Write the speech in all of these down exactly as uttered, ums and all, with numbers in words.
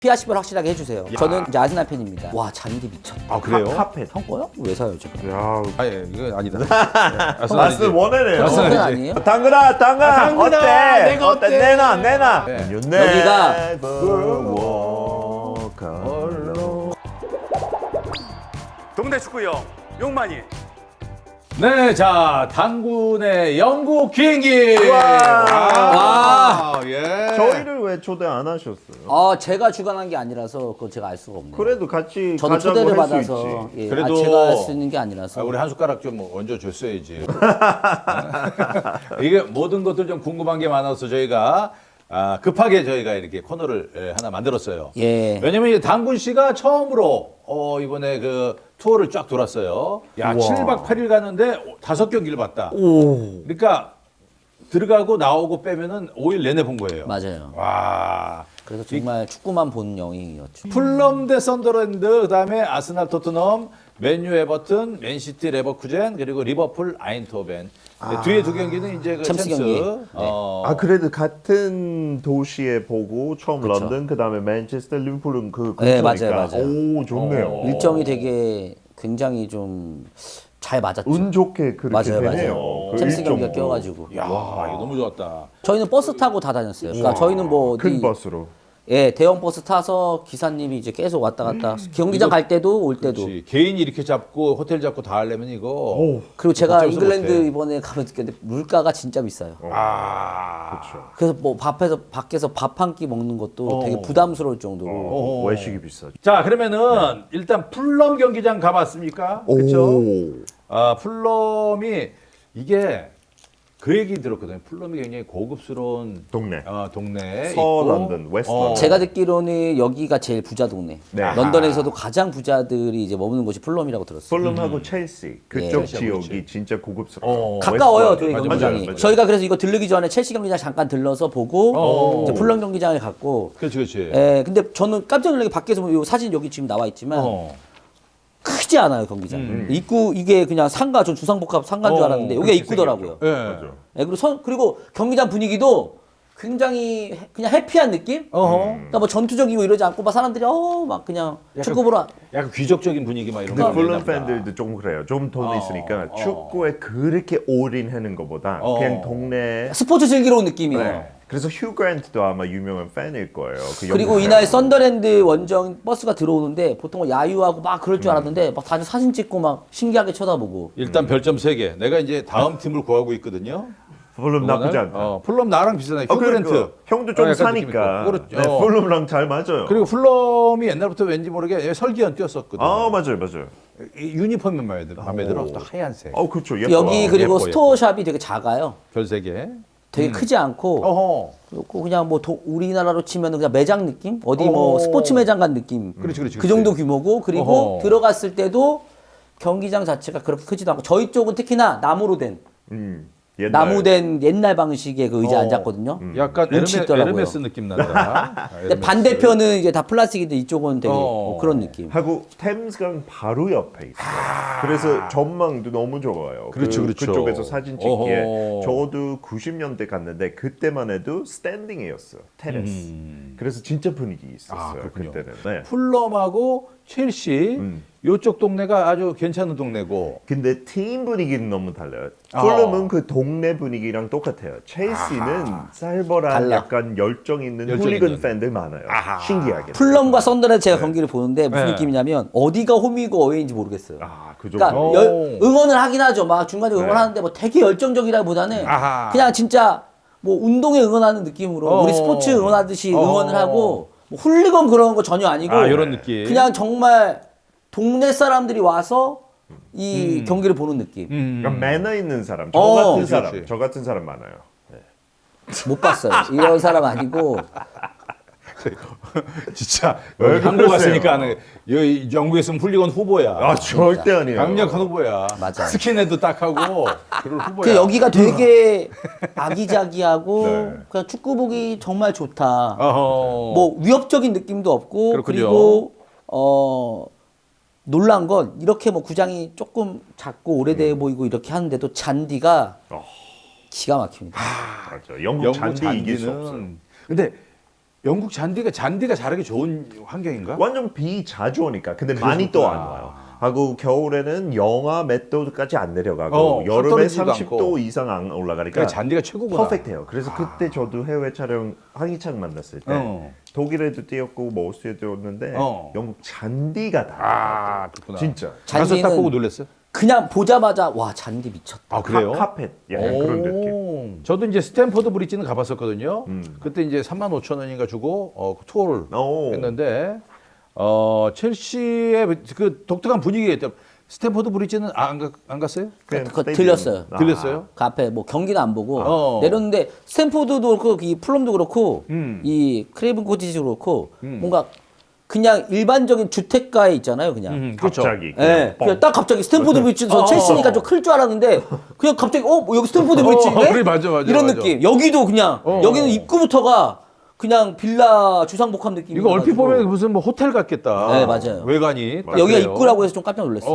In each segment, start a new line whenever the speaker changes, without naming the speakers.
피아십을 확실하게 해주세요. 야. 저는 이제 아스날 팬입니다. 와 잔디 미쳤다.
아 그래요?
카펫.
형 거요? 왜 사요 지금?
야,
아예 이거 아니다.
아스 원해네요.
아스날 아니에요?
당근아, 당근.
아, 당근아,
어때?
내가 어때?
내놔, 내놔.
네.
You
여기가
never walk alone.
동네 축구형 용만이.
네, 자 당군의 영국 비행기.
와.
와, 예.
저희를 왜 초대 안 하셨어요?
아 제가 주관한 게 아니라서 그건 제가 알 수가 없네요.
그래도 같이
저는
가자고
초대를
할수
받아서
있지.
예,
그래도-
아, 제가 할 수 있는 게 아니라서.
아, 우리 한 숟가락 좀 얹어 줬어야지. 이게 모든 것들 좀 궁금한 게 많아서 저희가 아, 급하게 저희가 이렇게 코너를 예, 하나 만들었어요.
예.
왜냐면 이제 당군 씨가 처음으로 어, 이번에 그 투어를 쫙 돌았어요. 야,
우와.
칠 박 팔 일 갔는데 다섯 경기를 봤다.
오.
그러니까 들어가고 나오고 빼면은 오 일 내내 본 거예요.
맞아요.
와.
그래서 정말 축구만 본 영웅이었죠.
풀럼 대 선더랜드, 그다음에 아스날 토트넘, 맨유 에버튼, 맨시티 레버쿠젠, 그리고 리버풀 아인토벤. 아. 뒤에 두 경기는 이제 그
챔스
챔스.
경기.
어.
아 그래도 같은 도시에 보고 처음
그쵸.
런던 그다음에 맨체스터 리버풀은 그
네,
근처니까.
맞아요, 맞아요.
오 좋네요.
어.
일정이 되게 굉장히 좀 잘 맞았죠.
운 좋게 그렇게
맞아요,
되네요.
맞아요.
그
챔스 경기가
일정으로.
껴가지고.
야, 이거 너무 좋았다.
저희는 버스 타고 다 다녔어요. 그러니까 저희는 뭐
큰
어디
버스로.
예 대형 버스 타서 기사님이 이제 계속 왔다 갔다 경기장 갈 때도 올 때도.
그렇지. 개인이 이렇게 잡고 호텔 잡고 다 하려면 이거.
오.
그리고 제가
어쩔 수
잉글랜드
못해.
이번에 가면 느꼈는데 물가가 진짜 비싸요.
아.
그렇죠.
그래서 뭐 밥에서 밖에서 밥 한 끼 먹는 것도
어.
되게 부담스러울 정도로.
어.
외식이 비싸죠.
자, 그러면은 일단 풀럼 경기장 가봤습니까? 그렇죠? 아, 풀럼이 이게 그 얘기 들었거든요. 풀럼이 굉장히 고급스러운
동네.
어, 동네.
서런던, 웨스트 런던.
제가 듣기로는 여기가 제일 부자 동네.
네.
런던에서도 가장 부자들이 이제 머무는 곳이 풀럼이라고 들었어요.
풀럼하고 첼시 그쪽
예.
지역이 진짜 고급스러워.
어.
가까워요,
웨스트
저희
런던.
경기장이.
맞아요, 맞아요.
저희가 그래서 이거 들르기 전에 첼시 경기장 잠깐 들러서 보고
어.
이제 풀럼 경기장을 갔고.
그렇지, 그렇지.
예, 근데 저는 깜짝 놀라게 밖에서 보면 이 사진 여기 지금 나와 있지만
어.
크지 않아요 경기장.
음.
입구 이게 그냥 상가, 전 주상복합 상가인 줄
어,
알았는데 여기가
그렇게
입구더라고요.
예.
맞아.
예, 그리고 선 그리고 경기장 분위기도 굉장히 해- 그냥 해피한 느낌?
어허.
그러니까 뭐 전투적이고 이러지 않고 막 사람들이 어 막 그냥
약간
축구 보러
약간 귀족적인 분위기 막 이런
근데
거.
풀럼
있나 보다.
팬들도 좀 그래요. 좀 돈
어,
있으니까
어.
축구에 그렇게 올인하는 것보다
어.
그냥 동네.
스포츠 즐기러 온 느낌이에요.
네. 그래서 휴 그랜트도 아마 유명한 팬일 거예요. 그
그리고
영국
이날
팬.
썬더랜드 원정 버스가 들어오는데 보통 야유하고 막 그럴 줄 알았는데 막 다들 사진 찍고 막 신기하게 쳐다보고.
일단 별점 세 개. 내가 이제 다음 팀을 구하고 있거든요.
풀럼 나쁘지 않다.
어, 풀럼 나랑 비슷하네.
어,
휴그랜트.
그러니까 형도 좀
어, 약간 느낌
사니까
있고. 그렇죠.
네,
어.
풀럼랑 잘 맞아요.
그리고 풀럼이 옛날부터 왠지 모르게 설기현 뛰었었거든.
아 맞아요, 맞아요.
이 유니폼이 마음에 들어. 마음에 들어. 또 하얀색.
어 그렇죠. 예뻐.
여기 그리고
예뻐,
스토어샵이 되게 작아요.
별 세 개.
되게 크지 않고
어허.
그리고 그냥 뭐 도- 우리나라로 치면 그냥 매장 느낌? 어디 뭐
어.
스포츠 매장 간 느낌.
그렇지, 그렇지,
그
그렇지.
정도 규모고 그리고
어허.
들어갔을 때도 경기장 자체가 그렇게 크지도 않고 저희 쪽은 특히나 나무로 된
음, 옛날.
나무된 옛날 방식의 그 의자
어.
앉았거든요.
약간
운치
에르메,
있더라고요.
에르메스 느낌 난다. 아,
근데
에르메스.
반대편은 이제 다 플라스틱인데 이쪽은 되게
어.
뭐 그런 느낌.
하고 템스강 바로 옆에 있어요. 그래서 전망도 너무 좋아요.
아. 그렇죠,
그,
그렇죠.
그쪽에서 사진 찍기에
어허.
저도 구십 년대 갔는데 그때만 해도 스탠딩이었어요. 테레스.
음.
그래서 진짜 분위기
아,
있었어요.
그렇군요.
그때는. 네.
풀럼하고 첼시
음.
요쪽 동네가 아주 괜찮은 동네고.
근데 팀 분위기는 너무 달라요.
어.
풀럼은 그 동네 분위기랑 똑같아요. 첼시는 쌀벌한
달라.
약간 열정 있는
열정
훌리건
있는.
팬들 많아요. 신기하게.
풀럼과 썬더랜드 제가 경기를 보는데 무슨
네.
느낌이냐면 어디가 홈이고 어웨이인지 모르겠어요.
아, 그 정도.
그러니까
오.
열- 응원을 하긴 하죠. 막 중간에
네.
응원하는데 뭐 되게 열정적이라기보다는
아하.
그냥 진짜 뭐 운동에 응원하는 느낌으로
어.
우리 스포츠 응원하듯이
어.
응원을 하고 뭐 훌리건 그런 거 전혀 아니고
아, 요런 느낌.
그냥 정말 동네 사람들이 와서 이 경기를 보는 느낌.
음.
그러니까 매너 있는 사람, 저
어,
같은
그렇지,
사람,
그렇지.
저 같은 사람 많아요.
못 봤어요. 이런 사람 아니고
진짜
왜
여기 한국
그러세요?
왔으니까 하는 여기 영국에서는 훌리건 후보야.
아 절대 아니에요.
강력한 후보야.
맞아.
스킨헤드 딱 하고 그럴 후보야.
그 여기가 되게 아기자기하고
네.
그냥 축구 보기 정말 좋다.
어허.
뭐 위협적인 느낌도 없고
그렇군요.
그리고 어 놀란 건 이렇게 뭐 구장이 조금 작고 오래돼 보이고 이렇게 하는데도 잔디가
어.
기가 막힙니다.
맞아. 영국,
영국
잔디 이길 수 없어요.
잔디는 근데 영국 잔디가 잔디가 자라기 좋은 환경인가?
완전 비 자주 오니까. 근데 많이 또 안 와요. 하고 겨울에는 영하 몇 도까지 안 내려가고
어,
여름에
떨어지지도
삼십 도
않고.
이상 안 올라가니까
그러니까 잔디가 최고구나.
퍼펙트해요. 그래서 그때 저도 해외 촬영 황희찬 만났을 때
어.
독일에도 뛰었고 뭐 오스트리아도 뛰었는데
어.
영국 잔디가 다
아, 그렇구나.
진짜
가서 딱
잔디는-
보고 놀랐어요?
그냥 보자마자 와 잔디 미쳤다.
아, 그래요?
카, 카펫 약간 그런 느낌.
저도 이제 스탠퍼드 브릿지는 가봤었거든요.
음.
그때 이제 삼만 오천 원인가 주고 어, 투어를
오.
했는데 어, 첼시의 그 독특한 분위기가 있더라고요. 스탠퍼드 브릿지는 아, 안, 가, 안 갔어요?
그냥
그거
스테디움.
들렸어요.
아.
들렸어요?
그 앞에 뭐 경기는 안 보고
어.
내렸는데 스탠포드도 그렇고 이 플럼도 그렇고
음.
이 크레이븐 코티지도 그렇고 뭔가 그냥 일반적인 주택가에 있잖아요, 그냥.
음, 그렇죠.
갑자기
예,
그냥
그냥 딱 갑자기 스탠포드 브리지에서
어.
첼시니까 좀 클 줄 알았는데 그냥 갑자기 어, 뭐 여기 스탠포드 브리지인데?
어, 그래, 맞아, 맞아,
이런
맞아.
느낌. 여기도 그냥
어.
여기는 입구부터가 그냥 빌라 주상복합 느낌.
이거 얼핏 보면 무슨 뭐 호텔 같겠다.
네, 맞아요.
외관이. 딱
여기가
그래요.
입구라고 해서 좀 깜짝 놀랐어요.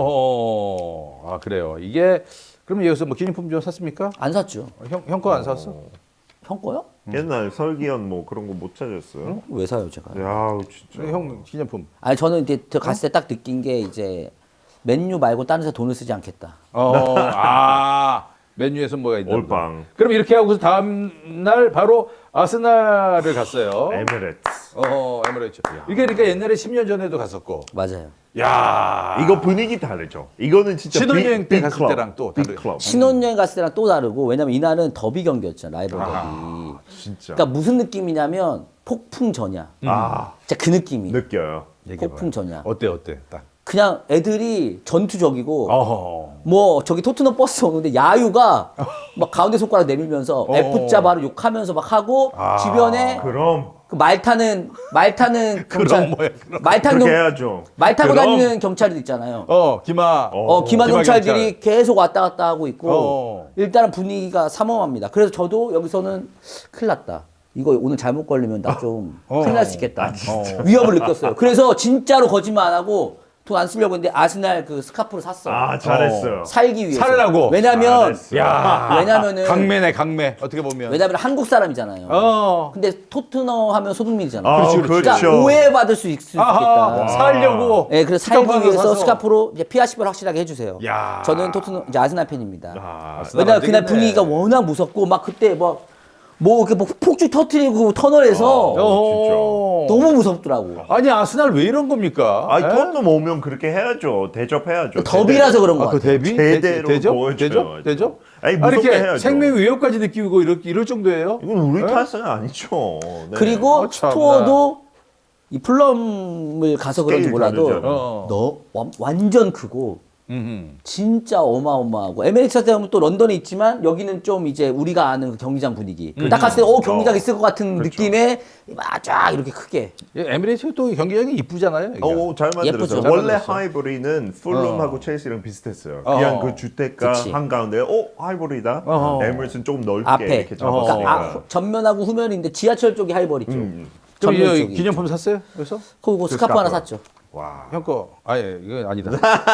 어, 아 그래요. 이게 그럼 여기서 뭐 기념품 좀 샀습니까?
안 샀죠.
형 형 거 안 샀어?
형 거요?
옛날 설기현 뭐 그런 거 못 찾았어요?
왜 사요, 제가?
야 진짜
형 기념품.
아니 저는 이제 저 갔을 때 딱 느낀 게 이제 맨유 말고 다른 데 돈을 쓰지 않겠다.
어, 아 메뉴에서 뭐가 있나? 보다.
올빵
그럼 이렇게 하고서 다음 날 바로 아스날을 갔어요.
에미레이츠.
어, 에미레이츠. 이게 그러니까 옛날에 십 년 전에도 갔었고.
맞아요.
야,
이거 분위기 다르죠. 이거는 진짜
신혼여행
빅-
때
빅
갔을
클럽,
때랑 또
빅
다르-
클럽.
신혼여행 갔을 때랑 또 다르고 왜냐면 이날은 더비 경기였잖아, 라이벌 더비.
아,
진짜.
그러니까 무슨 느낌이냐면 폭풍 전야.
아
진짜 그 느낌이.
느껴요.
얘기해봐요.
폭풍 전야.
어때 어때? 딱.
그냥 애들이 전투적이고
어허.
뭐 저기 토트넘 버스 오는데 야유가 막 가운데 손가락 내밀면서
어.
F자 바로 욕하면서 막 하고
아.
주변에
그럼
그 말 타는 말 타는 경찰
그럼 뭐야? 그럼.
말 타는
그렇게
경,
해야죠.
말 타고
그럼.
다니는 경찰들 있잖아요.
어, 기마.
어, 기마
기마
경찰들이 계속 왔다 갔다 하고 있고
어.
일단은 분위기가 삼엄합니다. 그래서 저도 여기서는 큰일 났다. 이거 오늘 잘못 걸리면 나 좀
어.
큰일 날 수 있겠다.
어.
위협을 느꼈어요. 그래서 진짜로 거짓말 안 하고 돈 안 쓰려고 했는데 아스날 그 스카프를 샀어.
아 잘했어요.
살기 위해서.
살라고?
왜냐면
잘했어.
야.
왜냐면은
강매네, 강매. 어떻게 보면.
왜냐면 한국 사람이잖아요.
어.
근데 토트넘 하면 소득민이잖아.
아,
그렇지,
그렇죠.
그렇지.
그러니까 오해받을 수 있- 수
아하.
있겠다.
살려고.
네, 그래서
스카프
살기
하나
위해서
사서.
스카프로 이제 피아십을 확실하게 해주세요.
야.
저는 토트넘 이제 아스날 팬입니다.
아,
아스날
왜냐면
안
그날
되겠네.
분위기가 워낙 무섭고 막 그때 뭐 뭐 이렇게 뭐 폭죽 터트리고 터널에서
어.
너무 무섭더라고.
아니 아스날 왜 이런 겁니까?
아니
에?
토트넘 오면 그렇게 해야죠. 대접해야죠.
더비라서 그런 거
아, 그
같아요.
데뷔?
제대로
대, 접
보여줘야죠.
대접? 대접?
아니,
아,
무섭게
이렇게
해야죠.
생명 위협까지 느끼고 이럴, 이럴 정도예요?
이건 우리
에?
탓은 아니죠. 네.
그리고
어, 참나.
스토어도 이 플럼을 가서 그런지
스케일
몰라도
다르잖아.
어.
너 완- 완전 크고
음.
진짜 어마어마하고 에메리카 스타디움은 또 런던에 있지만 여기는 좀 이제 우리가 아는 그 경기장 분위기.
음.
딱 갔을 때 어 경기장
어.
있을 것 같은
그렇죠.
느낌의 막 쫙 이렇게 크게.
예, 에미레이트 또 경기장이 이쁘잖아요. 여기가.
오, 잘 만들었어요.
예쁘죠.
잘
원래
만들었어.
하이브리는 풀룸하고 첼시랑 비슷했어요.
어.
그냥 그 주택가
그치.
한가운데 어 하이브리다.
어허.
에미레이트는 좀 넓게
앞에.
이렇게
어허.
잡았으니까.
그러니까 아, 후- 전면하고 후면인데 지하철 쪽이 하이버리 쪽.
음.
그럼
전면
이
쪽이.
기념품 샀어요? 그래서?
그리고 스카프
스카프.
하나 샀죠.
와.
형 거. 아예 이건 아니다.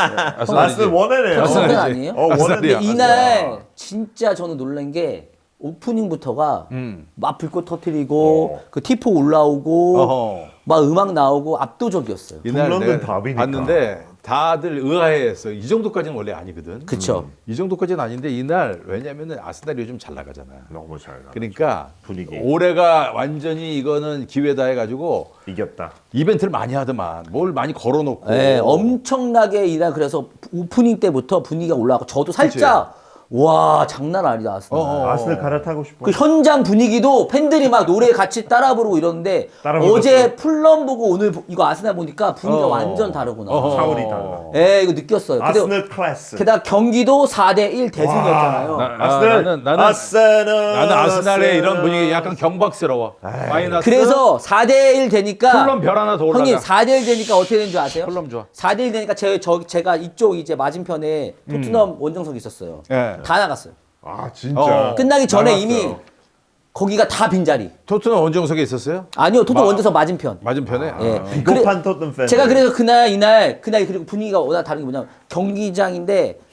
아스 원해네요.
그건
아스날이지.
아니에요?
어,
아스날이야.
원해네.
근데 이날 진짜 저는 놀란 게 오프닝부터가
음.
막 불꽃 터트리고
어.
그 티포 올라오고
어허.
막 음악 나오고 압도적이었어요.
이날
런던
내가
답이니까.
봤는데 다들 의아해했어. 이 정도까지는 원래 아니거든.
그쵸.
이 정도까지는 아닌데 이날 왜냐면은 아스날이 요즘 잘 나가잖아.
너무 잘 나.
그러니까
분위기.
올해가 완전히 이거는 기회다 해가지고
이겼다.
이벤트를 많이 하더만 뭘 많이 걸어놓고.
네, 엄청나게 이날 그래서 오프닝 때부터 분위기가 올라가고 저도 살짝 와 장난 아니다 아스날.
어, 어.
아스날 갈아타고 싶어.
그 현장 분위기도 팬들이 막 노래 같이 따라 부르고 이러는데
따라 불렀어.
어제 풀럼 보고 오늘 보- 이거 아스날 보니까 분위기가
어.
완전 다르구나.
어허.
차원이 달라.
예, 이거 느꼈어요. 근데
아스날 클래스.
게다가 경기도 사 대 일 대승이었잖아요.
나- 아,
아스날.
나는- 나는-
아스날.
나는 아스날의 이런
아스날.
분위기 약간 경박스러워. 마이너스.
그래서 사 대 일 되니까
콜럼 별 하나 더 올라가.
형님 사 대 일 되니까 어떻게 되는 줄 아세요?
콜럼 좋아.
사 대 일 되니까 제, 저, 제가 이쪽 이제 맞은편에 토트넘 원정석이 있었어요.
예.
다 나갔어요.
아 진짜.
어.
끝나기 전에
나갔어요.
이미 거기가 다 빈자리.
토트넘 원정석에 있었어요?
아니요, 토트넘
마-
원정석 맞은편.
맞은편에.
예.
아.
비겁한 토트넘 팬.
제가 그래서 그날 이날 그날 그리고 분위기가 워낙 다른 게 뭐냐면 경기장인데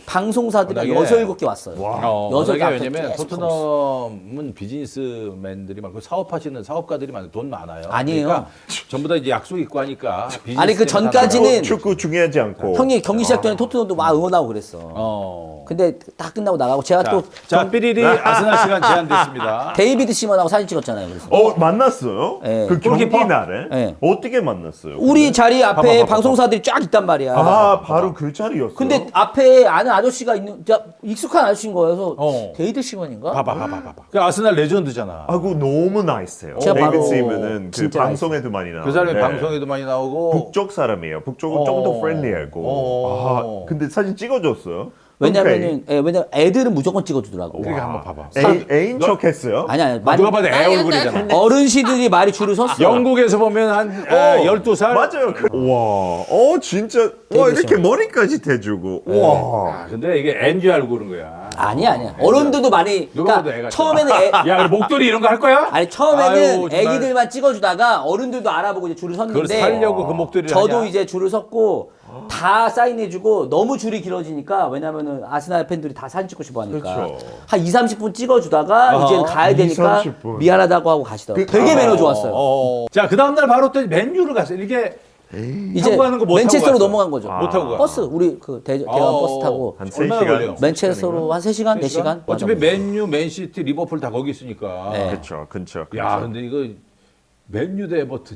방송사들이
워낙에-
여섯 일곱 개 왔어요.
어,
여섯 개
워낙에
앞에
왜냐면
계속
토트넘은 비즈니스맨들이 많고 사업하시는 사업가들이 많고 돈 많아요.
아니에요.
그러니까 전부 다 이제 약속 있고 하니까.
아니, 그
비즈니스맨
전까지는
축구 중요하지 않고.
형님 경기 시작 전에 토트넘도 막 응원하고 그랬어.
어.
근데 다 끝나고 나가고 제가
자,
또
자 삐리리 아스날 시간 제한됐습니다.
데이비드 시먼하고 사진 찍었잖아요. 그래서
어 만났어요?
네.
그 경기
골키퍼?
날에
네.
어떻게 만났어요?
우리 자리 앞에
봐봐, 봐봐,
방송사들이 쫙 있단 말이야.
아 바로 그 자리였어요.
근데 앞에 아는 아저씨가 있는 진짜 익숙한 아저씨인 거여서
어.
데이비드 시먼인가?
봐봐, 봐봐, 봐봐. 그 아스날 레전드잖아.
아고 너무 나이스해요.
제가
데이비드
바로
시먼은 그
진짜
방송에도 많이 나오고.
그 사람이 방송에도 많이 나오고.
북쪽 사람이에요. 북쪽은
어.
좀 더 프렌리하고.
어.
아 근데 사진 찍어줬어요.
왜냐면은 예, 왜냐면 애들은 무조건 찍어주더라고.
그러니까 한번 봐봐.
애인, 애인 척했어요?
아니 아니
아,
많이
누가 봐도 애 얼굴이잖아.
어른시들이 말이 줄을 섰어.
영국에서 보면 한 에, 열두 살.
맞아요. 그, 와, 어 진짜 와
데이비드
이렇게
시먼.
머리까지 대주고. 와.
아, 근데 이게 애인 줄 알고 그런 거야.
아니야 아니야. 어른들도 많이
누가 봐도
그러니까
애가
처음에는 애,
야, 그럼 목도리 이런 거 할 거야?
아니 처음에는
아유, 정말.
애기들만 찍어주다가 어른들도 알아보고 이제 줄을
그걸
섰는데
살려고 그 목도리를
저도
하냐?
이제 줄을 섰고 다 사인해주고 너무 줄이 길어지니까 왜냐면은 아스날 팬들이 다 사진 찍고 싶어 하니까
그렇죠.
한 이, 삼십 분 찍어주다가
어허.
이제는 가야
이,
되니까
삼십 분.
미안하다고 하고 가시더라고요.
그-
되게
아,
매너 좋았어요.
어. 자, 그 다음 날 바로 또 맨유를 갔어요. 이게
이제
타고 가는 거못 타고
맨체스터로
갔어?
넘어간 거죠.
못 타고 가.
버스 우리 그 대, 대관
어.
버스 타고
한 세
얼마나
시간.
걸려?
맨체스터로 한 세 시간, 네 시간.
어차피 맨유, 맨시티, 리버풀 다 거기 있으니까.
네.
그렇죠, 근처.
야,
근처.
근데 이거 맨유 대 에버튼.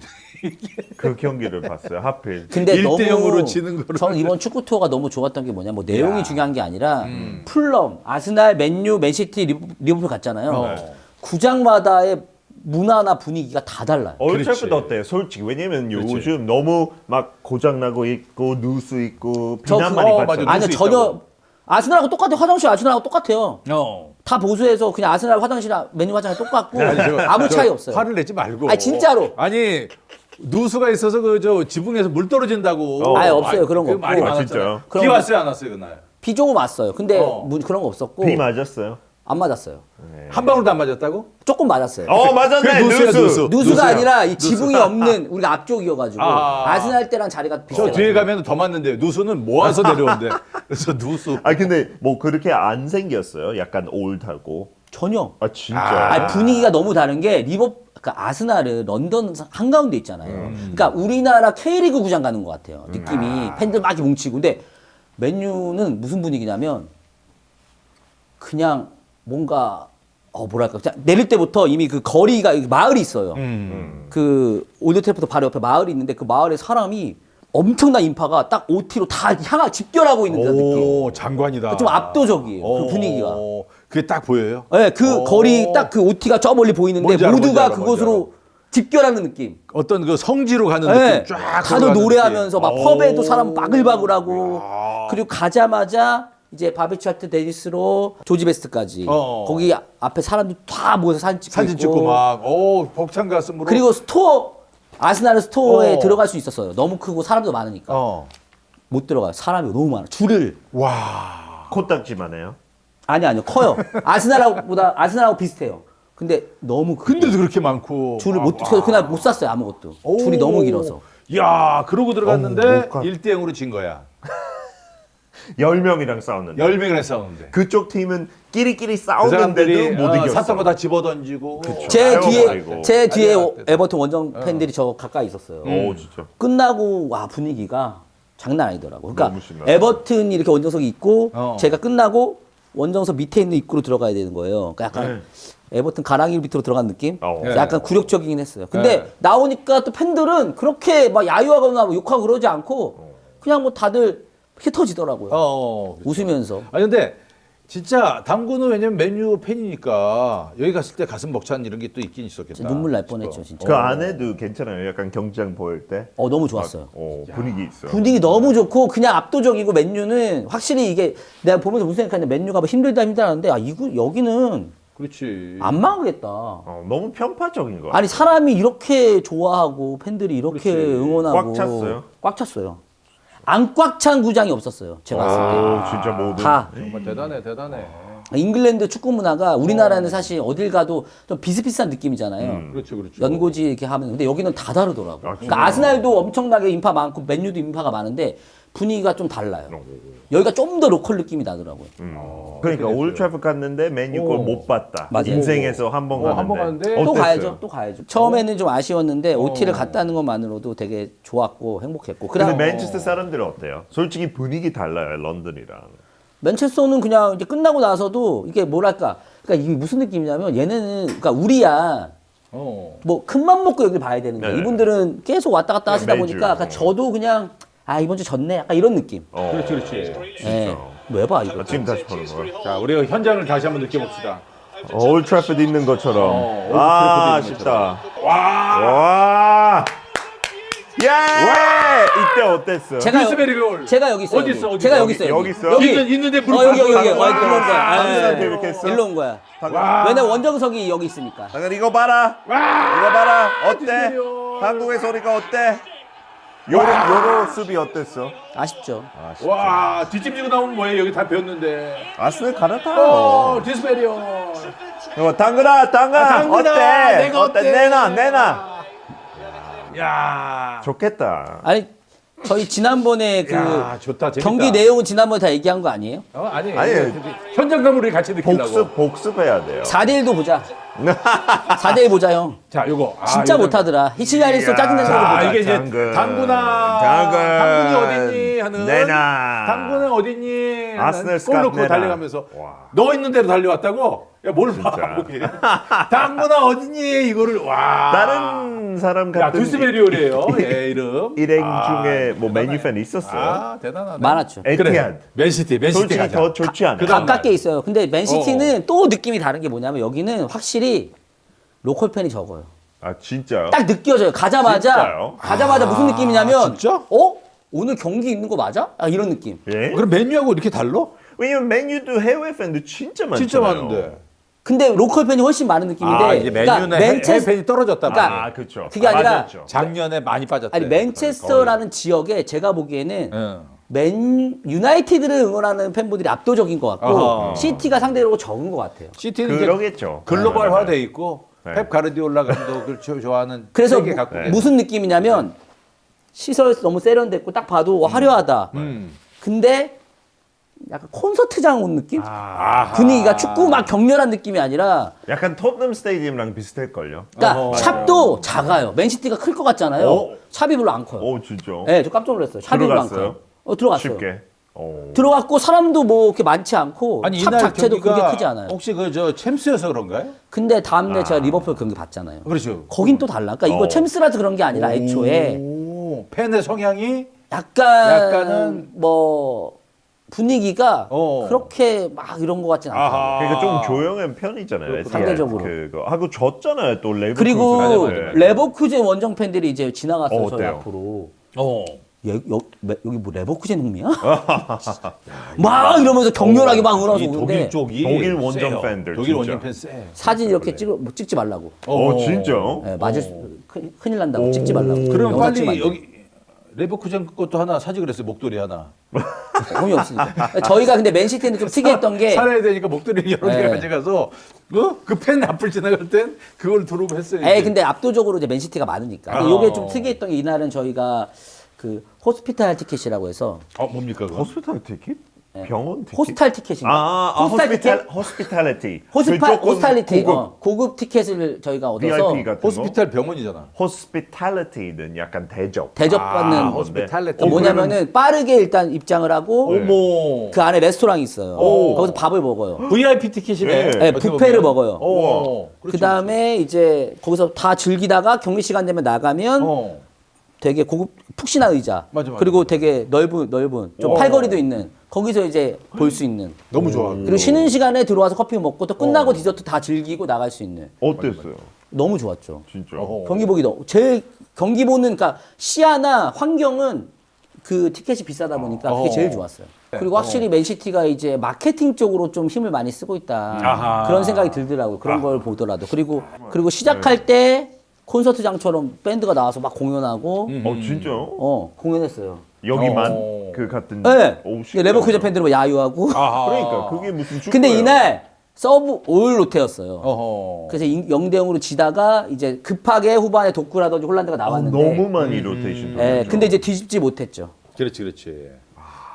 그 경기를 봤어요. 하필.
근데
일 대 영으로
너무
지는 거를.
저는 이번 축구 투어가 너무 좋았던 게 뭐냐, 뭐 내용이
야.
중요한 게 아니라
음.
풀럼, 아스날, 맨유, 맨시티, 리버- 리버풀 갔잖아요.
어.
구장마다의 문화나 분위기가 다 달라요.
올트래포드 어때요? 솔직히 왜냐면
그렇지.
요즘 너무 막 고장 나고 있고 누수 있고
저
비난
그-
많이
어,
받잖아요.
맞아.
아니요
누수
전혀
있다고.
아스날하고 똑같아요. 화장실 아스날하고 똑같아요.
어.
다 보수해서 그냥 아스날 화장실이랑 맨유 화장실 똑같고
아니, 저-
아무
저
차이 없어요.
화를 내지 말고.
아니, 진짜로.
아니 누수가 있어서 그 저 지붕에서 물 떨어진다고.
어.
아예 없어요. 그런 거
그 말이
없고.
아,
많았잖아요.
진짜요?
비
그런 거-
왔어요, 안 왔어요 그날?
비 조금 왔어요. 근데
어.
문- 그런 거 없었고
비 맞았어요.
안 맞았어요.
한 방울도 안 맞았다고?
조금 맞았어요.
어 맞았네.
그게 누수야,
누수.
누수.
누수가
누수야.
아니라 이 지붕이 없는 우리가 앞쪽이어가지고
아.
아스날 때랑 자리가
저
비슷해요.
뒤에 가면 더 맞는데 누수는 모아서 내려온대. 그래서 누수.
아 근데 뭐 그렇게 안 생겼어요. 약간 올드하고.
전혀.
아 진짜.
아.
아니, 분위기가 너무 다른 게 리버 그러니까 아스날은 런던 한가운데 있잖아요. 그러니까 우리나라 K리그 구장 가는 것 같아요. 느낌이 팬들 막 이렇게 뭉치고. 근데 맨유는 무슨 분위기냐면 그냥 뭔가 어 뭐랄까 그냥 내릴 때부터 이미 그 거리가 마을이 있어요.
음.
그 올드트래포드 바로 옆에 마을이 있는데 그 마을에 사람이 엄청난 인파가 딱 오티로 다 향하 집결하고 있는 듯한 느낌.
오 장관이다.
좀 압도적이에요.
오,
그 분위기가.
그게 딱 보여요?
네, 그
오.
거리 딱 그 오티가 저 멀리 보이는데
뭔지 알아, 뭔지
모두가
알아, 뭔지
그곳으로 집결하는 느낌.
어떤 그 성지로 가는
네,
느낌 쫙.
다들
걸어가는
노래하면서 막
느낌.
펍에도
오.
사람 바글바글하고
야.
그리고 가자마자 이제 바비차트 데니스로 조지 베스트까지
어.
거기 앞에 사람들 다 모여서 사진 찍고
사진
있고.
찍고 막, 오, 벅찬 가슴으로.
그리고 스토어 아스날 스토어에
어.
들어갈 수 있었어요. 너무 크고 사람도 많으니까
어.
못 들어가요. 사람이 너무 많아. 줄을
와.
코딱지만 해요.
아니 아니요 커요. 아스날보다 아스날하고 비슷해요. 근데 너무 크고
근데도 그렇게 많고.
줄을 못
아,
그- 그날 못 샀어요 아무것도.
오.
줄이 너무 길어서.
야, 그러고
어,
들어갔는데
못 가-
일 대 영으로 진 거야.
열 명이랑 싸웠는데.
열 명이나 싸우는데.
그쪽 팀은 끼리끼리
그 사람들이
싸우는데도 못
어,
이겼어.
샀던 거 다 집어던지고.
제
아유,
뒤에
아이고.
제 뒤에
아니야.
에버튼 원정 팬들이 저 가까이 있었어요.
오 진짜.
끝나고 와 분위기가 장난 아니더라고. 그러니까
너무 신나다.
에버튼이 이렇게 원정석이 있고
어.
제가 끝나고 원정석 밑에 있는 입구로 들어가야 되는 거예요. 그러니까 약간 에버튼 가랑이 밑으로 들어간 느낌?
어.
네.
약간 굴욕적이긴 했어요. 근데
네.
나오니까 또 팬들은 그렇게 막 야유하거나 뭐 욕하고 그러지 않고 그냥 뭐 다들 흩어지더라고요.
어.
웃으면서.
아니 근데 진짜 당구는 왜냐면 맨유 팬이니까 여기 갔을 때 가슴 벅찬 이런 게 또 있긴 있었겠다.
진짜 눈물 날 뻔했죠, 진짜.
그 안에도 괜찮아요. 약간 경기장 보일 때.
어 너무 좋았어요.
어, 분위기 있어요.
분위기 너무 좋고 그냥 압도적이고 맨유는 확실히 이게 내가 보면서 무슨 생각했냐 맨유가 뭐 힘들다 힘들다는데 아 이거 여기는
그렇지.
안 망하겠다.
어, 너무 편파적인 거.
아니 사람이 이렇게 좋아하고 팬들이 이렇게
그렇지.
응원하고
꽉 찼어요?
꽉 찼어요. 안 꽉 찬 구장이 없었어요. 제가 봤을 때.
오 진짜 모든.
다.
정말 대단해, 대단해.
잉글랜드 축구 문화가 우리나라는 사실 어딜 가도 좀 비슷비슷한 느낌이잖아요.
그렇죠, 그렇죠.
연고지 이렇게 하면 근데 여기는 다 다르더라고.
아,
그러니까 아스날도 엄청나게 인파 많고 맨유도 인파가 많은데 분위기가 좀 달라요. 여기가 좀 더 로컬 느낌이 나더라고요.
음.
어,
그러니까
그렇게
올트래프 갔는데 맨유 걸
오.
못 봤다.
맞아요.
인생에서 한 번
어,
갔는데.
한번 갔는데
또
어땠어요?
가야죠, 또 가야죠. 처음에는 좀 아쉬웠는데 오티를
어.
갔다는 것만으로도 되게 좋았고 행복했고.
근데
그다음
맨체스터 사람들은 어때요? 솔직히 분위기 달라요, 런던이랑.
맨체스터는 그냥 이제 끝나고 나서도 이게 뭐랄까, 그러니까 이게 무슨 느낌이냐면 얘네는 그러니까 우리야.
어.
뭐 큰맘 먹고 여기 봐야 되는데
네.
이분들은 계속 왔다 갔다 하시다
매주.
보니까 약간 저도 그냥 아 이번 주 졌네 약간 이런 느낌.
어.
그렇지, 그렇지.
예. 왜 봐 이거?
아, 지금 다시 보는 거야?
자, 우리가 현장을 다시 한번 느껴봅시다.
어, 올트래프드 있는 것처럼.
어, 올드
아,
트래포드 있는
아쉽다.
와,
와! 예! 이때 어땠어?
제가 여-
디스베리 볼.
제가 여기 있어요.
어디
여기.
있어, 어디
제가
있어?
여기 있어요.
여기 있어?
여기.
있는, 있는데 물
어 여기 여기 여기.
와,
와 일로 온 거야.
당근한테
아,
이렇게 했어?
일로 온 거야.
와.
왜냐면 원정석이 여기 있으니까.
당근 이거 봐라.
와.
이거 봐라. 어때?
디스베리오.
한국의 소리가 어때? 요로, 요로 수비 어땠어?
아쉽죠.
와, 뒷짐지고 나오면 뭐예요? 여기 다 배웠는데.
아스널 갈아타.
어, 디스베리오.
이거 당근아, 당근.
아, 당근아,
어때?
내가 어때?
내놔, 내놔.
야.
좋겠다.
아니 저희 지난번에 그
야, 좋다. 재밌다.
경기 내용은 지난번에 다 얘기한 거 아니에요?
어, 아니.
아니.
현장감을 우리 같이 느끼려고.
복습, 복습해야 돼요.
사 대 일도 보자. 사 대 일 보자 형.
자, 요거. 아,
진짜
요거.
못하더라. 히치라리스
이야.
짜증나는 거
자,
보자.
이게 이제
당근.
당구나.
당근.
당근이 어딨니? 하는.
내놔.
당근은 어딨니? 하는
아스널
골 넣고
스캇 내놔.
달려가면서.
와.
너 있는 대로 달려왔다고? 야, 뭘 봐. 거기. 당근아 어딨니? 이거를. 와.
다른 사람
야,
같은
두스베리오래요. 예, 이름.
일행
아,
중에 뭐
대단해.
메뉴 팬 있었어요.
아, 대단하네.
많았죠.
에티하드.
맨시티, 맨시티
솔직히
가자.
더 좋지 않아?
그 다음
가깝게 있어요. 근데 맨시티는
어.
또 느낌이 다른 게 뭐냐면 여기는 확실히 로컬 팬이 적어요.
아 진짜요?
딱 느껴져요. 가자마자
진짜요?
가자마자 무슨 느낌이냐면
진짜?
어? 오늘 경기 있는 거 맞아? 아, 이런 느낌.
예?
그럼 맨유하고 이렇게 달라?
왜냐면 메뉴도 해외 팬도 진짜 많잖아요.
진짜 많은데.
근데 로컬 팬이 훨씬 많은 느낌인데
아, 이제 맨유는
그러니까
해외
맨체스-
팬이 떨어졌다.
그러니까
많이.
아 그렇죠.
그게 아니라
맞았죠.
작년에 많이 빠졌대.
아니 맨체스터라는 지역에 제가 보기에는
응.
맨 유나이티드를 응원하는 팬분들이 압도적인 것 같고
어허.
시티가 상대로 적은 것 같아요.
시티는 이제
그러겠죠.
글로벌화돼 있고
네.
펩 가르디올라 감독을 조- 좋아하는
그래서
세계
무,
각국에.
네.
무슨 느낌이냐면 시설 너무 세련됐고 딱 봐도 와, 화려하다.
음.
근데 약간 콘서트장 온 느낌?
아하.
분위기가 축구 막 격렬한 느낌이 아니라
약간 토트넘 스테디움랑 비슷할걸요?
그러니까
어허.
샵도 작아요. 맨시티가 클 것 같잖아요.
어?
샵이 별로 안 커요.
오 진짜?
네, 저 깜짝 놀랐어요. 샵이 별로 안
들어갔어요?
커요. 어, 들어갔어요.
쉽게? 오.
들어갔고 사람도 뭐 그렇게 많지 않고
아니
샵
이날
자체도
경기가
그렇게 크지 않아요.
혹시 그 저 챔스여서 그런가요?
근데 다음날 제가 리버풀 경기 봤잖아요.
그렇죠.
거긴 또 달라. 그러니까 이거
어.
챔스라서 그런 게 아니라 애초에
오, 팬의 성향이
약간
약간은-
뭐 분위기가
어.
그렇게 막 이런 것 같진 않아요.
아하.
그러니까 좀 조용한 편이잖아요.
그렇구나.
에티하드.
상대적으로.
그거 하고 졌잖아요. 또 레버쿠sen.
그리고
맞아, 맞아, 맞아.
레버쿠젠 원정 팬들이 이제 지나갔어요.
어,
저희
어때요?
앞으로.
어.
여, 여, 매- 여기 뭐 레버쿠젠 홈이야? 막 이러면서 격렬하게 막 응원하면서
이
오는데
독일 쪽이
독일 원정
세요.
팬들,
독일
진짜.
원정 팬 세.
사진 이렇게 찍어 뭐 찍지 말라고.
어, 진짜요?
네, 맞을 수, 큰, 큰일 난다고 찍지 말라고.
그러면
영상 찍으면
빨리
안 돼.
여기 레버쿠젠 것도 하나 사지 그랬어요. 목도리 하나.
돈이 없으니까. 저희가 근데 맨시티는 좀 특이했던 게
살아야 되니까 목도리 여러 개
네.
가져가서 어? 그팬 앞을 지나갈 땐 그걸 두르고 했어요.
에이 근데 압도적으로 이제 맨시티가 많으니까. 근데
어.
이게 좀 특이했던 게 이날은 저희가 그 호스피탈 티켓이라고 해서
어 뭡니까 그거?
호스피탈 티켓? 병원 티켓?
호스탈 티켓인가?
아, 아,
호스탈
호스피탈,
티켓?
호스피탈리티.
호스파,
그 조금
호스탈리티
고급
어, 고급 티켓을 저희가 얻어서
브이아이피 같은 거?
호스피탈 병원이잖아.
호스피탈리티는 약간 대접.
대접받는
아,
거.
호스피탈리티.
어, 뭐냐면은 빠르게 일단 입장을 하고
어머.
그 안에 레스토랑이 있어요.
오.
거기서 밥을 먹어요.
브이아이피 티켓이네.
네.
네,
어떻게
뷔페를
보면.
먹어요.
어.
그 다음에 이제 거기서 다 즐기다가 격리 시간 되면 나가면
어.
되게 고급 푹신한 의자
맞아, 맞아.
그리고 되게 넓은 넓은 좀
오.
팔거리도 있는 거기서 이제 볼 수 있는
너무 좋아.
그리고 쉬는 시간에 들어와서 커피 먹고 또 끝나고 디저트 다 즐기고 나갈 수 있는
어땠어요?
너무 좋았죠.
진짜.
어허.
경기 보기 너무 제일 경기 보는 그러니까 시야나 환경은 그 티켓이 비싸다 보니까 그게
어.
제일 좋았어요. 그리고 확실히 맨시티가 이제 마케팅 쪽으로 좀 힘을 많이 쓰고 있다
아하.
그런 생각이 들더라고요. 그런 걸 보더라도 그리고 그리고 시작할 때 콘서트장처럼 밴드가 나와서 막 공연하고
어, 진짜요?
어 공연했어요.
여기만
어.
그 같은.
네.
오,
근데 레버쿠젠 팬들은 뭐 야유하고.
아하.
그러니까 그게 무슨 축구.
근데 이날 서브 올 로테였어요.
어허.
그래서 영 대 영으로 지다가 이제 급하게 후반에 도쿠라든지 홀란드가 나왔는데.
너무 많이 로테이션.
예, 근데 이제 뒤집지 못했죠.
그렇지 그렇지.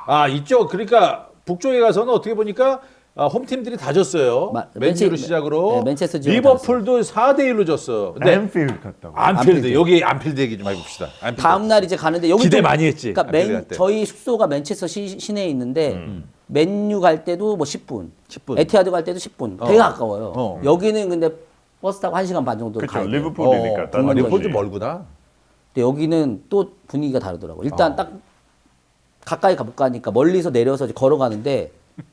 아 이쪽 그러니까 북쪽에 가서는 어떻게 보니까 아, 홈팀들이 다 졌어요.
마-
맨유를
맨체-
시작으로
네, 맨체스터 지역은
리버풀도 사 대 일로 졌어. 근데
앤필드 갔다고.
안필드
안필드.
여기 안필드 얘기 좀 해봅시다. 안필드.
다음 날 이제 가는데 여기
기대
좀-
많이 했지,
그러니까
안필드
맨
갈 때.
저희 숙소가 맨체스터 시, 시내에 있는데 맨유 갈 때도 뭐 십 분,
십 분.
에티하드 갈 때도 십 분. 되게 가까워요.
어.
여기는 근데 버스 타고 한 시간 반 정도
그렇죠.
가야 돼요.
리버풀이니까.
어,
다른
리버풀
거지.
좀 멀구나.
근데 여기는 또 분위기가 다르더라고요. 일단
어.
딱 가까이 가 못 가니까 멀리서 내려서 이제 걸어가는데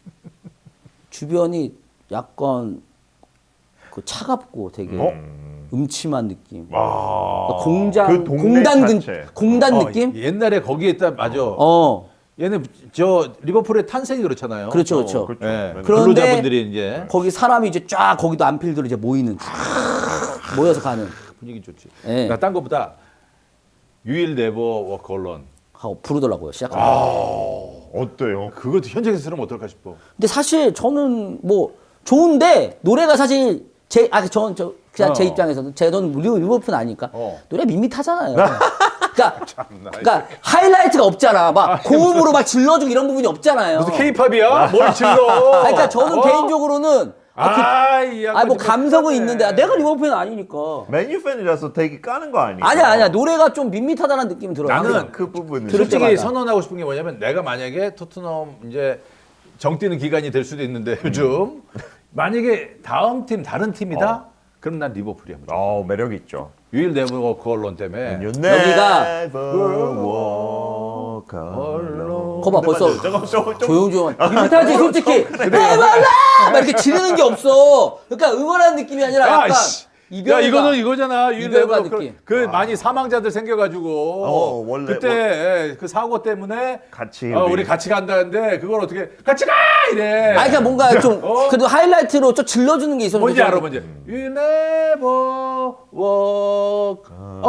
주변이 약간 그 차갑고 되게
어?
음침한 느낌.
와.
그러니까 공장
그 동네
공단 근
자체.
공단
어,
느낌?
옛날에 거기에 있다 맞아.
어.
얘는 저 리버풀의 탄생이 그렇잖아요.
그렇죠, 그렇죠.
그렇죠.
예.
그런데
근로자분들이 이제
거기 사람이 이제 쫙 거기도 안필드로 이제 모이는 모여서 가는
분위기 좋지.
예.
그러니까 딴 거보다 유일 네버 워크 언론.
하고 부르더라고요 시작하면.
어때요?
그것도 현장에서 들으면 어떨까 싶어.
근데 사실 저는 뭐 좋은데 노래가 사실 제아저저 그냥 제
어.
입장에서는 제 저는 리버풀 아니까
어.
노래 밋밋하잖아요. 그러니까 그러니까 하이라이트가 없잖아. 막 고음으로 막 질러주고 이런 부분이 없잖아요.
무슨 케이팝이야? 뭘 질러?
아, 그러니까 저는
어?
개인적으로는 아, 그,
아, 이
아니 뭐
양반이
감성은
뭐
있는데 아, 내가 리버풀은 아니니까.
맨유 팬이라서 되게 까는 거 아니에요?
아니야 아니야 노래가 좀 밋밋하다는 느낌이 들어요.
나는
항상.
그 부분은
들을
솔직히
때마다.
선언하고 싶은 게 뭐냐면 내가 만약에 토트넘 이제 정 뛰는 기간이 될 수도 있는데 요즘 만약에 다음 팀 다른 팀이다? 그럼 난 리버풀이야. 무조건.
어 매력 있죠.
유일 네버 그 언론 때문에
You
여기가-
never walk alone.
거봐 벌써
잠깐만 조금 좀
조용조용. 밋밋하지 솔직히. 내발라 막 이렇게 지르는 게 없어. 그러니까 응원하는 느낌이 아니라 약간
씨.
이별가.
야 이거는 이거잖아. 유일
이별가
네버 그,
느낌.
그 많이 사망자들 생겨가지고
어, 원래-
그때 예, 그 사고 때문에
같이
어,
우리-
우리 같이 간다는데 그걸 어떻게 같이 가 이래.
아니 그러니까 뭔가 좀
어?
그래도 하이라이트로 좀 질러주는 게 있어서
뭔지
좀-
알아 뭔지. You never walk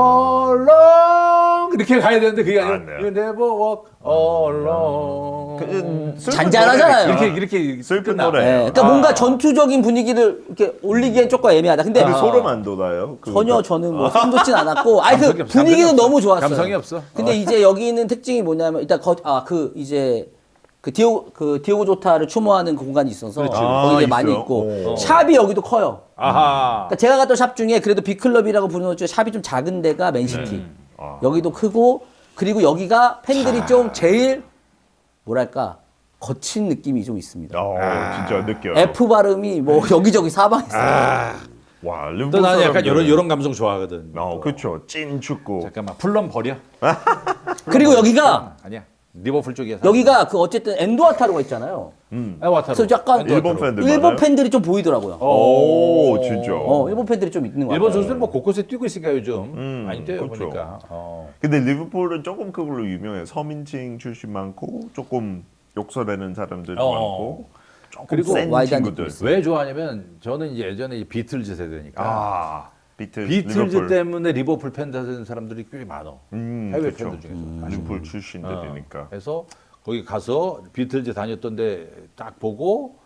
alone 이렇게 가야 되는데 그게 아니라
아, 네.
You never walk alone.
그, 슬픈
잔잔하잖아요.
노래니까.
이렇게 이렇게
슬픈
끝나.
노래.
예, 그러니까
아.
뭔가 전투적인 분위기를 이렇게 올리기엔 조금 애매하다. 근데
근데 소름 안 돋아요? 그-
전혀 저는 뭐 손 돋진 않았고, 아니 그
감성이 없-
분위기는
감성이
너무
없어.
좋았어요.
감성이 없어.
근데 이제 여기 있는 특징이 뭐냐면 일단 아 그 이제 그 디오 그 디오고 조타를 추모하는 그 공간이 있어서
그렇지.
거기 이제
아,
많이
있어요?
있고
오.
샵이 여기도 커요.
아하.
그러니까 제가 갔던 샵 중에 그래도 빅클럽이라고 부르는 것 중에 샵이 좀 작은 데가 맨시티.
아.
여기도 크고 그리고 여기가 팬들이 좀 제일 뭐랄까 거친 느낌이 좀 있습니다.
어, 진짜 느껴요.
F 발음이 뭐 여기저기 사방에서.
와, 리버풀
또 나는 약간
사람들은-
이런 이런 감성 좋아하거든.
어, 그렇죠. 찐 축구.
잠깐만 풀럼 버려.
그리고 여기가
아니야. 리버풀 쪽이야.
여기가 그 어쨌든 엔도아타로가 있잖아요.
에와타로.
그래서 약간
일본 팬들
일본
많아요?
팬들이 좀 보이더라고요.
오, 진짜.
어, 일본 팬들이 좀 있는 것 같아요.
일본 선수들 뭐 곳곳에 뛰고 있으니까 요즘
음,
많이 뛰어요
그렇죠.
보니까. 어.
근데 리버풀은 조금 그걸로 유명해요. 서민층 출신 많고 조금 욕설하는 사람들도
어.
많고 조금
그리고
센
와이드한
친구들.
느낌이 있어요.
왜 좋아하냐면 저는 이제 예전에 이 비틀즈 세대니까.
아, 비틀,
비틀즈
리버풀.
때문에 리버풀 팬 되는 사람들이 꽤 많어.
음,
해외
그쵸.
팬들 중에서.
리버풀 출신들이니까.
어, 그래서 거기 가서 비틀즈 다녔던데 딱 보고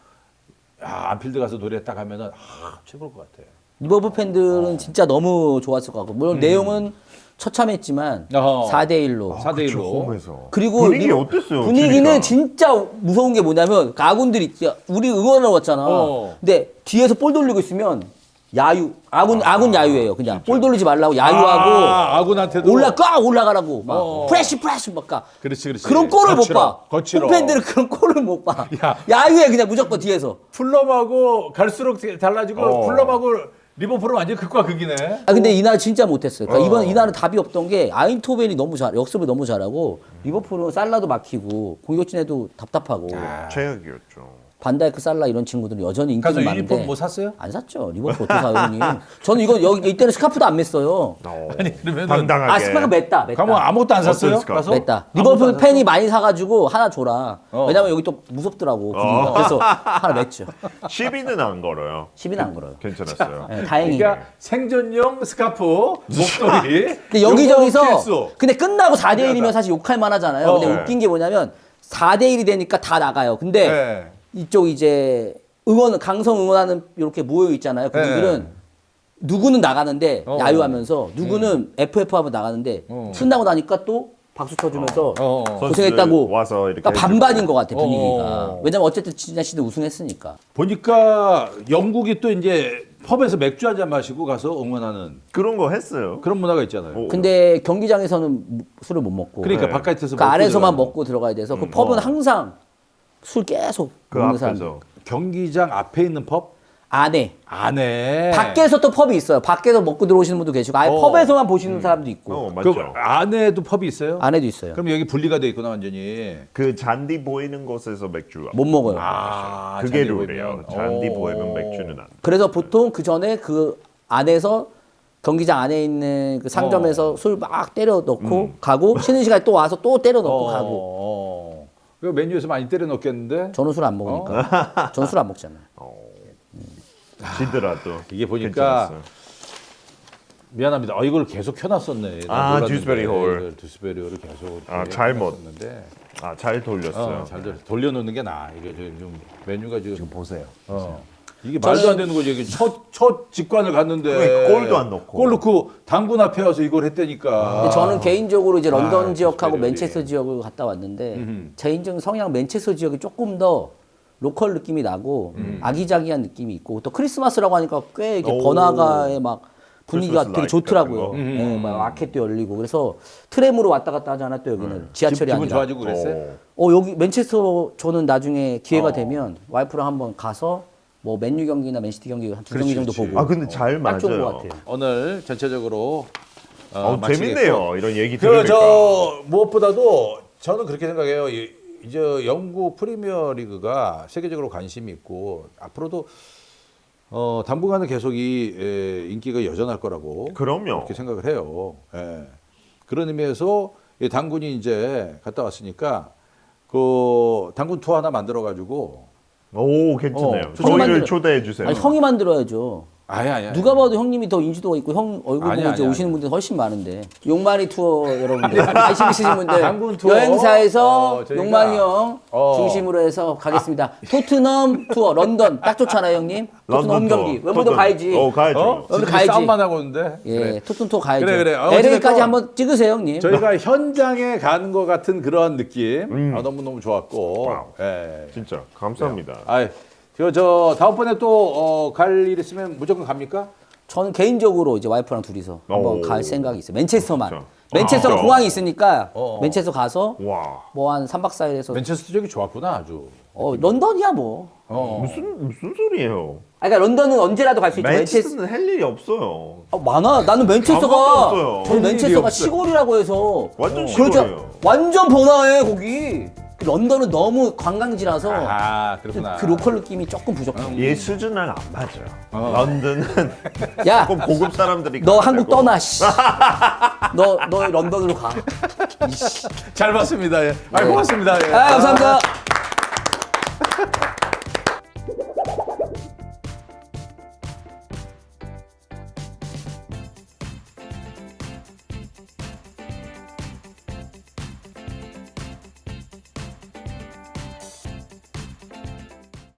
야 안필드 가서 노래 딱 하면은 아 최고일 것 같아.
리버풀 팬들은 진짜 너무 좋았을 것 같고 물론 내용은 처참했지만
음. 어허.
사 대 일로.
사 대 일로.
그쵸, 홈에서.
그리고
분위기
리-
어땠어요?
분위기는
그러니까.
진짜 무서운 게 뭐냐면 그 아군들이 있- 우리 응원하러 왔잖아.
어.
근데 뒤에서 볼 돌리고 있으면 야유 아군 아, 군 야유예요. 그냥 볼 돌리지 말라고 야유하고
아, 아군한테도
올라 꽉 올라가라고 막
어.
프레시 프레시 막 가.
그렇지 그렇지.
그런 골을 못
거칠어,
봐.
거칠어.
홈팬들은 그런 골을 못 봐.
야.
야유해 그냥 무조건 뒤에서.
풀럼하고 갈수록 달라지고
어.
풀럼하고 리버풀은 완전 극과 극이네.
아 근데 이날 진짜 못했어요. 그러니까
어.
이번 이날은 답이 없던 게 아인토벤이 너무 잘 역습을 너무 잘하고 리버풀은 살라도 막히고 공격진에도 답답하고
최악이었죠.
반다이크 살라 이런 친구들은 여전히
가서
인기는
유니폼
많은데
뭐 샀어요?
안 샀죠. 리버풀 어떻게 사요 형님. 저는 이거 여기 이때는 스카프도 안 맸어요.
어,
아니 그러면은
당당하게.
아 스카프 맸다 맸다.
가면 아무것도 안 샀어요?
어떤 스카프?
가서
냈다.
아무것도
리버풀
안
팬이 많이 사가지고 하나 줘라.
어.
왜냐면 여기 또 무섭더라고. 분위기가. 그래서 하나 냈죠.
시비는 안 걸어요.
시비는 안 걸어요.
괜찮았어요.
네, 다행히.
그러니까 생존용 스카프 목도리.
근데 여기저기서
요거 필수.
근데 끝나고 사 대 일이면
신기하다.
사실 욕할 만하잖아요.
어.
근데
네.
웃긴 게 뭐냐면 사 대 일이 되니까 다 나가요. 근데
네.
이쪽 이제 응원 강성 응원하는 이렇게 모여 있잖아요. 그분들은
네.
누구는 나가는데
어.
야유하면서 누구는 에프에프 하면 나가는데
어.
끝나고 나니까 또 박수 쳐주면서
어, 어.
고생했다고.
와서 이렇게
그러니까 반반인 것 같아 분위기가.
어.
왜냐면 어쨌든 지난 시즌 우승했으니까.
보니까 영국이 또 이제 펍에서 맥주 한 잔 마시고 가서 응원하는
그런 거 했어요.
그런 문화가 있잖아요.
오.
근데 경기장에서는 술을 못 먹고.
그러니까
네.
바깥에서
그
먹고
안에서만
들어가는
먹고 들어가야 돼서 그 펍은
어.
항상 술 계속
그
먹는
앞에서.
사람.
경기장 앞에 있는 펍
안에.
안에
밖에서 또 펍이 있어요. 밖에서 먹고 들어오시는 분도 계시고 아예
어.
펍에서만 보시는 사람도 있고.
어,
그
맞죠.
안에도 펍이 있어요?
안에도 있어요.
그럼 여기 분리가 돼 있구나 완전히.
그 잔디 보이는 곳에서 맥주.
못 먹어요.
아,
그게
잔디
룰이에요.
보이면.
잔디
오.
보이면 맥주는 안.
그래서 보통 그 전에 그 안에서 경기장 안에 있는 그 상점에서
어.
술 막 때려 넣고 가고 쉬는 시간에 또 와서 또 때려 넣고
어,
가고.
어. 그 메뉴에서 많이 때려 넣겠는데
저는 술 안 먹으니까. 저는 술 안 먹잖아요.
지더라도
이게 보니까
괜찮았어요.
미안합니다. 어, 이걸 계속 켜놨었네. 나
아,
몰랐는데
듀스베리 홀.
이걸 듀스베리 홀을 계속
아,
이렇게
잘못.
켜놨었는데.
아, 잘 돌렸어요.
어, 잘 돌, 돌려놓는 게 나아. 이게 지금 좀 메뉴가 지금,
보세요.
어. 이게 말도 안 되는 거지. 이게 첫, 첫 직관을 갔는데
그러니까 골도 안 넣고.
골 넣고 당군 앞에 와서 이걸 했다니까.
근데 저는 개인적으로 이제 런던
아,
지역하고
듀스베리
맨체스터 지역을 갔다 왔는데
음흠.
개인적인 성향 맨체스터 지역이 조금 더 로컬 느낌이 나고
음.
아기자기한 느낌이 있고 또 크리스마스라고 하니까 꽤 이렇게
오.
번화가의 막 분위기가
크리스마스
되게
라이트
좋더라고요.
같은 거?
네, 막 마켓도 열리고 그래서 트램으로 왔다 갔다 하잖아 또 여기는 지하철이
기분
아니라.
좋아지고 그랬어요?
어.
어 여기 맨체스터 저는 나중에 기회가
어.
되면 와이프랑 한번 가서 뭐 맨유 경기나 맨시티 경기 한 두
그렇지,
경기 정도
그렇지.
보고
아, 근데 잘
딱 좋은 것
맞아요.
같아요.
오늘 전체적으로 어,
어,
마치겠고.
재밌네요. 이런 얘기
그,
들으니까.
저, 무엇보다도 저는 그렇게 생각해요. 이, 이제 영국 프리미어 리그가 세계적으로 관심이 있고 앞으로도 어, 당분간은 계속 이 에, 인기가 여전할 거라고
그럼요.
그렇게 생각을 해요. 예. 그런 의미에서 이 당군이 이제 갔다 왔으니까 그 당군 투어 하나 만들어 가지고
오, 괜찮네요.
어,
저희를
만들어-
초대해 주세요.
아니 형이 만들어야죠.
아니 아니
누가 봐도 형님이 더 인지도가 있고 형 얼굴
아니,
보고 이제
아니,
오시는
아니.
분들 훨씬 많은데 용만이 투어 여러분들 관심 있으신 분들
당군 투어.
여행사에서
어, 저희가-
용만이 형
어.
중심으로 해서 가겠습니다. 토트넘 투어 런던 딱 좋잖아요 형님. 토트넘 홈 경기 웬블도 가야지.
어, 가야죠.
어?
여기
지금
가야지.
싸움만 하고 있는데
예,
그래.
토트넘 투어 가야죠.
그래, 그래. 어,
엘에이까지
어찌됐건
한번 찍으세요 형님.
저희가 현장에 가는 것 같은 그런 느낌
음.
아, 너무 너무 좋았고
와우.
예.
진짜 감사합니다.
아, 저, 저 다음번에 또 갈 일 있으면 무조건 갑니까?
저는 개인적으로 이제 와이프랑 둘이서 한번
오.
갈 생각이 있어요. 맨체스터만.
진짜.
맨체스터가
아.
공항이 있으니까
어, 어.
맨체스터 가서
와.
뭐 한 삼 박 사 일에서
맨체스터 쪽이 좋았구나 아주.
어, 런던이야 뭐.
어.
무슨 무슨 소리예요?
아, 그러니까 런던은 언제라도 갈 수 있죠. 맨체스터
맨체스터는 할 일이 없어요.
아, 많아. 나는 맨체스터가
아무것도 없어요.
저는
할 일이
맨체스터가
없어요.
시골이라고 해서
완전
그렇죠.
시골이에요.
완전 번화해 거기. 런던은 너무 관광지라서
아
그,
그렇구나.
그 로컬 느낌이 조금 부족해.
얘 수준은 안 맞아요.
어.
런던은
야,
조금 고급 사람들이
너
가야
한국
되고.
떠나. 씨. 너 너 런던으로 가. 이씨.
잘 봤습니다. 예. 아 고맙습니다. 예.
아, 감사합니다.